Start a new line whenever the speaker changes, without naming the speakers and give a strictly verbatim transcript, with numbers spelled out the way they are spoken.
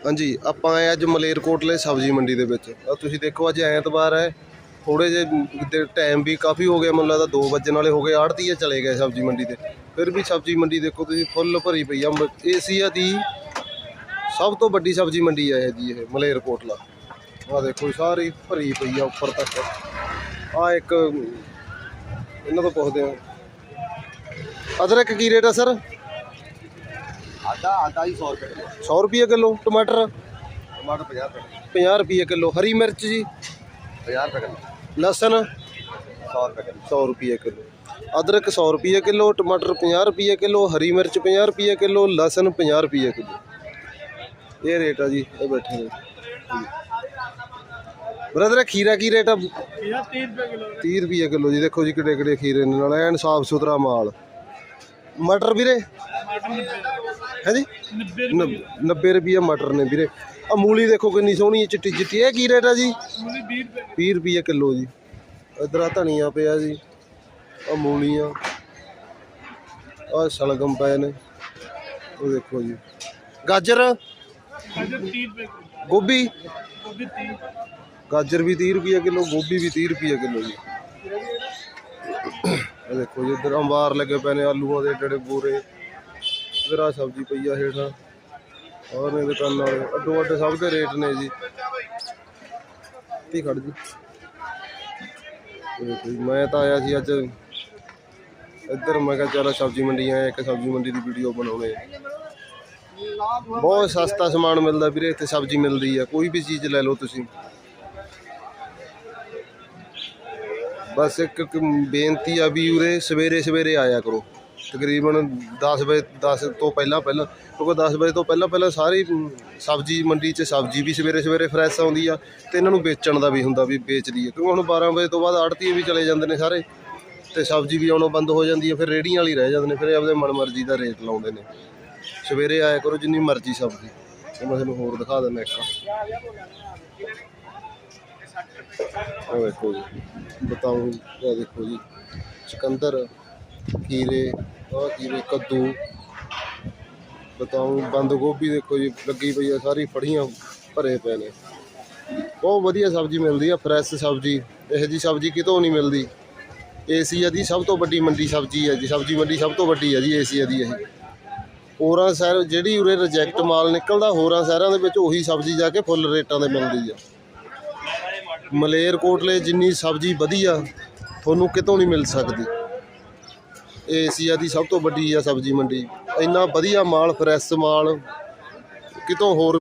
हाँ जी, ਆਪਾਂ ਆਏ ਅੱਜ ਮਲੇਰਕੋਟਲੇ ਸਬਜ਼ੀ ਮੰਡੀ ਦੇ ਵਿੱਚ। ਆ ਤੁਸੀਂ ਦੇਖੋ ਅੱਜ ਐਤਵਾਰ ਹੈ, ਥੋੜ੍ਹੇ ਜਿਹੇ ਟਾਈਮ ਵੀ ਕਾਫੀ ਹੋ ਗਿਆ, ਮੈਨੂੰ ਲੱਗਦਾ ਦੋ ਵੱਜਣ ਵਾਲੇ ਹੋ ਗਏ। ਆੜ੍ਹਤੀਏ ਚਲੇ ਗਏ ਸਬਜ਼ੀ ਮੰਡੀ ਤੇ, ਫਿਰ ਵੀ ਸਬਜ਼ੀ ਮੰਡੀ ਦੇਖੋ ਤੁਸੀਂ ਫੁੱਲ ਭਰੀ ਪਈ ਆ। ਏਸ਼ੀਆ ਦੀ ਸਭ ਤੋਂ ਵੱਡੀ ਸਬਜ਼ੀ ਮੰਡੀ ਹੈ ਜੀ ਇਹ ਮਲੇਰਕੋਟਲਾ। ਆਹ ਦੇਖੋ ਸਾਰੀ ਭਰੀ ਪਈ ਆ ਉੱਪਰ ਤੱਕ। ਆਹ ਇੱਕ ਇਹਨਾਂ ਤੋਂ ਪੁੱਛਦੇ ਹਾਂ, ਅਦਰਕ ਕੀ ਰੇਟ ਆ ਸਰ?
आधा आधा ही सौ रुपये किलो।
सौ रुपये किलो। टमाटर
टमाटर पचास रुपये
पचास रुपये किलो। हरी मिर्च जी
पचास रुपये किलो।
लहसुन
सौ रुपये किलो।
सौ रुपये किलो। अदरक सौ रुपये किलो। टमाटर पचास रुपये किलो। हरी मिर्च पचास रुपये किलो। लहसुन पचास रुपये किलो। ये रेट है जी। ये बैठे हैं ब्रदर, खीरा की रेट है? तीह रुपये किलो जी। देखो जी किड़े किड़े खीरे ने, नाल एन साफ सुथरा माल। मटर वीरे है जी नब्बे रुपये मटर ने वीरे। आ मूली देखो कितनी सोहनी चिट्टी चिट्टी। ये की रेट है जी? बीस रुपये किलो जी। इधर आ धनिया पिया जी, आ मूलियाँ, आ शलगम पे ने। वो देखो जी गाजर गोभी, गाजर भी तीह रुपये किलो, गोभी भी तीह रुपये किलो जी। देखो जी इधर अंबार लगे पे ने, आलूआं दे एडे बोरे। इधर आ सब्जी पई आ हेठां, और ने दुकान वाले अड्डो अड्ड सब के रेट ने जी। ती खड़ जी। देखो जी मैं तो आया सी अज इधर, मैं कहा चलो सब्जी मंडी आया, एक सब्जी मंडी की वीडियो बनाने। बहुत सस्ता समान मिलता वीरे इत्थे, सब्जी मिलती है, कोई भी चीज़ ले लो तुसीं। बस एक बेनती आ भी उरे सवेरे सवेरे आया करो, तकरीबन दस बजे दस तो पहला पहला, क्योंकि दस बजे तो पहला पहला सारी सब्जी मंडी च सब्जी भी सवेरे सवेरे फ्रैश आउंदी आ, ते इन्हां नूं बेचण दा भी हुंदा भी बेच लईए। क्योंकि हुण बारह बजे तो बाद आड़तीए भी चले जांदे ने सारे, ते सब्जी भी आउणों बंद हो जांदी है, फिर रेहड़ियां वाले रह जांदे ने, फिर आपदे मन मर्जी दा रेट लाउंदे ने। सवेरे आया करो जिन्नी मर्जी सब्जी। ते मैं तुहानूं होर दिखा दिंदा एक, ਉਹ ਦੇਖੋ ਜੀ ਬਤਾਊਂ, ਇਹ ਦੇਖੋ ਜੀ ਚੁਕੰਦਰ, ਖੀਰੇ, ਆਹ ਖੀਰੇ, ਕੱਦੂ, ਬਤਾਊਂ, ਬੰਦ ਗੋਭੀ ਦੇਖੋ ਜੀ ਲੱਗੀ ਪਈ ਆ, ਸਾਰੀ ਫੜੀਆਂ ਭਰੇ ਪਏ ਨੇ। ਬਹੁਤ ਵਧੀਆ ਸਬਜ਼ੀ ਮਿਲਦੀ ਆ, ਫਰੈਸ਼ ਸਬਜ਼ੀ। ਇਹੋ ਜਿਹੀ ਸਬਜ਼ੀ ਕਿਤੋਂ ਨਹੀਂ ਮਿਲਦੀ। ਏਸ਼ੀਆ ਦੀ ਸਭ ਤੋਂ ਵੱਡੀ ਮੰਡੀ ਸਬਜ਼ੀ ਹੈ ਜੀ, ਸਬਜ਼ੀ ਮੰਡੀ ਸਭ ਤੋਂ ਵੱਡੀ ਹੈ ਜੀ ਏਸ਼ੀਆ ਦੀ। ਇਹ ਹੋਰਾਂ ਸ਼ਹਿਰ ਜਿਹੜੀ ਉਰੇ ਰਿਜੈਕਟ ਮਾਲ ਨਿਕਲਦਾ, ਹੋਰਾਂ ਸ਼ਹਿਰਾਂ ਦੇ ਵਿੱਚ ਉਹੀ ਸਬਜ਼ੀ ਜਾ ਕੇ ਫੁੱਲ ਰੇਟਾਂ 'ਤੇ ਮਿਲਦੀ ਆ। ਮਲੇਰਕੋਟਲੇ ਜਿੰਨੀ ਸਬਜ਼ੀ ਵਧੀਆ ਤੁਹਾਨੂੰ ਕਿਤੋਂ ਨਹੀਂ ਮਿਲ ਸਕਦੀ। ਏਸ਼ੀਆ ਦੀ ਸਭ ਤੋਂ ਵੱਡੀ ਆ ਸਬਜ਼ੀ ਮੰਡੀ। ਇੰਨਾ ਵਧੀਆ ਮਾਲ, ਫਰੈਸ਼ ਮਾਲ ਕਿਤੋਂ ਹੋਰ